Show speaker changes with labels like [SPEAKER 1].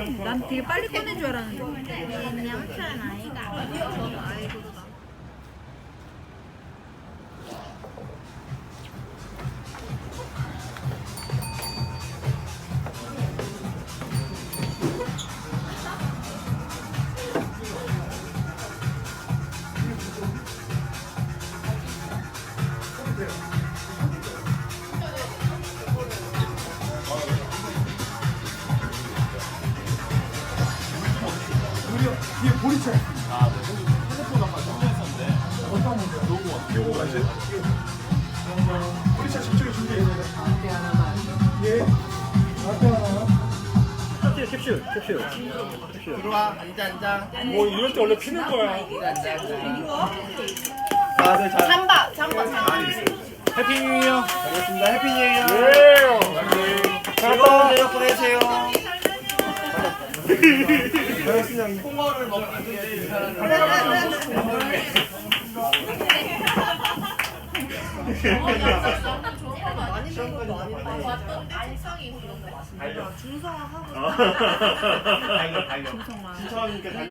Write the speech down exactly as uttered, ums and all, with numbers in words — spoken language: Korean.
[SPEAKER 1] 난 되게 빨리 꺼낸 줄 알았는데.
[SPEAKER 2] 양철 아이가.
[SPEAKER 1] 저는 아이고.
[SPEAKER 3] 뒤에 보리차.
[SPEAKER 4] 아, 네. 핸드폰 아까 충전했었는데.
[SPEAKER 3] 어떤 문제야?
[SPEAKER 4] 너무 왔어.
[SPEAKER 3] 요거 이제 보리차 집중해 준비해. 라떼 하나만. 예. 라떼 하나.
[SPEAKER 5] 캡슐, 캡슐.
[SPEAKER 4] 들어와, 앉아, 앉아.
[SPEAKER 5] 뭐 이럴 때 원래 피는 거야.
[SPEAKER 4] 이거 앉아, 앉아. 다들 잘.
[SPEAKER 2] 잠바, 잠바, 잠바.
[SPEAKER 5] 해피 뉴 이어.
[SPEAKER 4] 알겠습니다. 해피 뉴 이어.
[SPEAKER 5] 예.
[SPEAKER 4] 즐거운 저녁 보내세요. 그냥 홍어를 먹기 위해 이 사람을
[SPEAKER 2] 많이 먹는 거 아닌데. 알상이 그런 거 맛있는 거. 중성화 하고.
[SPEAKER 4] 달려, 달려.
[SPEAKER 1] 김성만.
[SPEAKER 4] 신청하니까